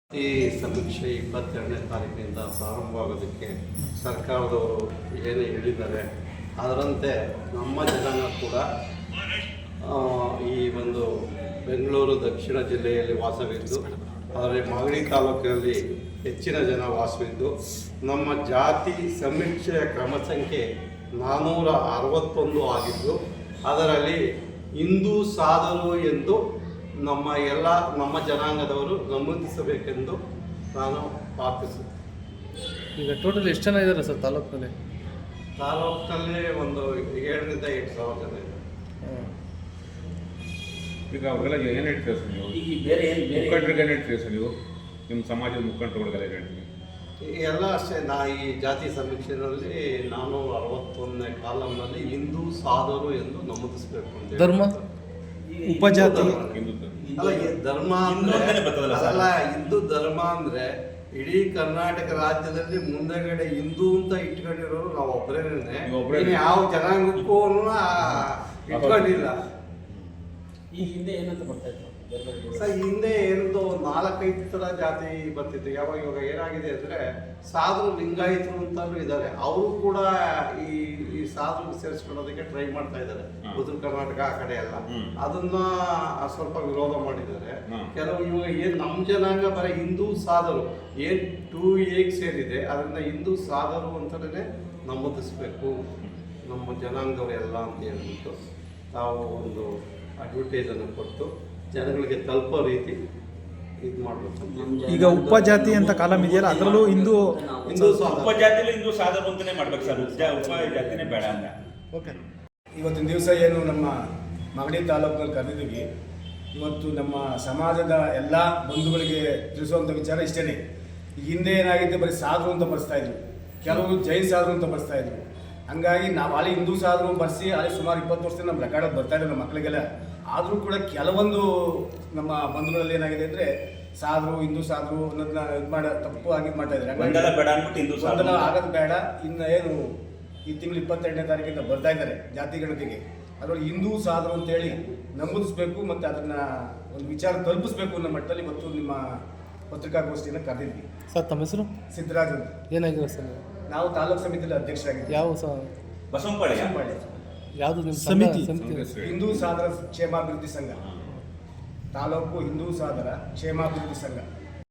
ಈ ಸಮೀಕ್ಷೆ 22ನೇ ತಾರೀಕಿನಿಂದ ಪ್ರಾರಂಭವಾಗೋದಕ್ಕೆ ಸರ್ಕಾರದವರು ಏನೇ ಹೇಳಿದ್ದಾರೆ ಅದರಂತೆ ನಮ್ಮ ಜನಾಂಗ ಕೂಡ ಈ ಒಂದು ಬೆಂಗಳೂರು ದಕ್ಷಿಣ ಜಿಲ್ಲೆಯಲ್ಲಿ ವಾಸವಿದ್ದು ಆದರೆ ಮಾಗಡಿ ತಾಲೂಕಿನಲ್ಲಿ ಹೆಚ್ಚಿನ ಜನ ವಾಸವಿದ್ದು ನಮ್ಮ ಜಾತಿ ಸಮೀಕ್ಷೆಯ ಕ್ರಮ ಸಂಖ್ಯೆ 461 ಆಗಿದ್ದು ಅದರಲ್ಲಿ ಹಿಂದೂ ಸಾಧರು ಎಂದು ನಮ್ಮ ಜನಾಂಗದವರು ನಮೂದಿಸಬೇಕೆಂದು ನಾನು ಪ್ರಾರ್ಥಿಸುತ್ತೇನೆ. ಈಗ ಟೋಟಲ್ ಎಷ್ಟು ಜನ ಇದ್ದಾರೆ ಸರ್ ತಾಲೂಕಿನಲ್ಲಿ? ತಾಲೂಕಿನಲ್ಲಿ ಒಂದು 7,000 ರಿಂದ 8,000 ಜನ ಇದ್ದಾರೆ. ಈಗ ಅವ್ರಿಗೆಲ್ಲ ಏನು ಹೇಳ್ತೀರಾ ಸರ್ ನೀವು? ಈಗ ಬೇರೆ ಮುಖಂಡರಿಗೆ ಏನು ಹೇಳ್ತೀರಾ ಸರ್ ನೀವು? ನಿಮ್ಮ ಸಮಾಜದ ಮುಖಂಡರುಗಳಿಗೆಲ್ಲ ಏನು ಹೇಳ್ತೀವಿ? ಎಲ್ಲ ಅಷ್ಟೇ. ಈ ಜಾತಿ ಸಮೀಕ್ಷೆಯಲ್ಲಿ 461ನೇ ಕಾಲಂನಲ್ಲಿ ಹಿಂದೂ ಸಾಧರು ಎಂದು ನಮೂದಿಸಬೇಕು ಅಂತ. ಧರ್ಮ ಉಪಜಾತಿ ಅಲ್ಲ, ಧರ್ಮ ಅಲ್ಲ, ಹಿಂದೂ ಧರ್ಮ ಅಂದ್ರೆ ಇಡೀ ಕರ್ನಾಟಕ ರಾಜ್ಯದಲ್ಲಿ ಮುಂದೆಗಡೆ ಹಿಂದೂ ಅಂತ ಇಟ್ಕೊಂಡಿರೋರು ನಾವು ಒಬ್ಬರೇನೆ. ಯಾವ ಜನಾಂಗಕ್ಕೂ ಇಟ್ಕೊಂಡಿಲ್ಲ. ಈ ಹಿಂದೆ ಏನಂತ ಬರ್ತಾ ಇತ್ತು ಸರ್? ಹಿಂದೆ ಏನಂತೂ 4-5 ಥರ ಜಾತಿ ಬರ್ತಿತ್ತು. ಇವಾಗ ಏನಾಗಿದೆ ಅಂದರೆ ಸಾಧು ಲಿಂಗಾಯತರು ಅಂತಲೂ ಇದ್ದಾರೆ. ಅವರು ಕೂಡ ಈ ಸಾಧು ಸೇರಿಸ್ಕೊಳ್ಳೋದಕ್ಕೆ ಟ್ರೈ ಮಾಡ್ತಾ ಇದ್ದಾರೆ. ಉತ್ತರ ಕರ್ನಾಟಕ ಆ ಕಡೆ ಎಲ್ಲ ಅದನ್ನ ಸ್ವಲ್ಪ ವಿರೋಧ ಮಾಡಿದ್ದಾರೆ. ಕೆಲವು ಇವಾಗ ಏನು ನಮ್ಮ ಜನಾಂಗ ಬರೀ ಹಿಂದೂ ಸಾಧರು ಏನು 2A ಸೇರಿದೆ, ಅದರಿಂದ ಹಿಂದೂ ಸಾಧರು ಅಂತಲೇ ನಮೂದಿಸಬೇಕು ನಮ್ಮ ಜನಾಂಗವರೆಲ್ಲ ಅಂತ ಹೇಳ್ಬಿಟ್ಟು ತಾವು ಒಂದು ಅಡ್ವರ್ಟೈಸನ್ನು ಕೊಟ್ಟು ಜನಗಳಿಗೆ ತಲುಪೋ ರೀತಿ ಇದು ಮಾಡಬೇಕು. ಈಗ ಉಪಜಾತಿ ಅಂತ ಕಾಲಂ ಇದೆಯಲ್ಲ, ಅದರಲ್ಲೂ ಹಿಂದೂ ಉಪಜಾತಿಯಲ್ಲಿ ಹಿಂದೂ ಸಾಧರು ಅಂತಾನೆ ಮಾಡ್ಬೇಕು ಸರ್. ಉಪಜಾತಿನೇ ಬೇಡ ಅಂತ. ಓಕೆ. ಇವತ್ತಿನ ದಿವಸ ಏನು ನಮ್ಮ ಮಾಗಡಿ ತಾಲೂಕಿನಲ್ಲಿ ಕರೆದಿದ್ದೀವಿ, ಇವತ್ತು ನಮ್ಮ ಸಮಾಜದ ಎಲ್ಲ ಬಂಧುಗಳಿಗೆ ತಿಳಿಸುವಂಥ ವಿಚಾರ ಇಷ್ಟೇ. ಹಿಂದೆ ಏನಾಗಿದೆ, ಬರೀ ಸಾಧು ಅಂತ ಬರ್ಸ್ತಾ ಇದ್ರು, ಕೆಲವರು ಜೈನ್ ಸಾಧು ಅಂತ ಬರ್ಸ್ತಾ ಇದ್ರು. ಹಂಗಾಗಿ ನಾವು ಅಲ್ಲಿ ಹಿಂದೂ ಸಾಧು ಬರ್ಸಿ ಅಲ್ಲಿ ಸುಮಾರು 20 ವರ್ಷದಿಂದ ನಮ್ಮ ರೆಕಾರ್ಡ್ ಬರ್ತಾ ಇದೆ ನಮ್ಮ ಮಕ್ಕಳಿಗೆಲ್ಲ. ಆದರೂ ಕೂಡ ಕೆಲವೊಂದು ನಮ್ಮ ಬಂಧುಗಳಲ್ಲಿ ಏನಾಗಿದೆ ಅಂದರೆ ಸಾಧು ಹಿಂದೂ ಸಾಧು ಅನ್ನೋದನ್ನ ಇದು ಮಾಡೋ ತಪ್ಪು ಆಗಿ ಮಾಡ್ತಾ ಇದ್ದಾರೆ. ಗೊಂದಲ ಆಗೋದು ಬೇಡ. ಇನ್ನು ಏನು ಈ ತಿಂಗಳು 22ನೇ ತಾರೀಕಿಂದ ಬರ್ತಾ ಇದ್ದಾರೆ ಜಾತಿ ಗಣತಿಗೆ, ಅದರಲ್ಲಿ ಹಿಂದೂ ಸಾಧು ಅಂತೇಳಿ ನಮೂದಿಸಬೇಕು ಮತ್ತು ಅದನ್ನು ಒಂದು ವಿಚಾರ ತಲುಪಿಸ್ಬೇಕು ಅನ್ನೋ ಮಟ್ಟದಲ್ಲಿ ಇವತ್ತು ನಿಮ್ಮ ಪತ್ರಿಕಾಗೋಷ್ಠಿಯನ್ನು ಕರೆದಿದ್ವಿ. ಸರ್ ತಮ್ಮ ಹೆಸರು? ಸಿದ್ದರಾಜು. ಏನಾಗಿದೆ ಸರ್? ನಾವು ತಾಲೂಕು ಸಮಿತಿಯಲ್ಲಿ ಅಧ್ಯಕ್ಷರಾಗಿದ್ದೀವಿ. ಯಾವ ಬಸವನಪಾಳ್ಯ ಯಾವುದು ನಿಮ್ಮ ಸಮಿತಿ? ಹಿಂದೂ ಸಾಧರ ಕ್ಷೇಮಾಭಿವೃದ್ಧಿ ಸಂಘ, ತಾಲೂಕು ಹಿಂದೂ ಸಾಧರ ಕ್ಷೇಮಾಭಿವೃದ್ಧಿ ಸಂಘ.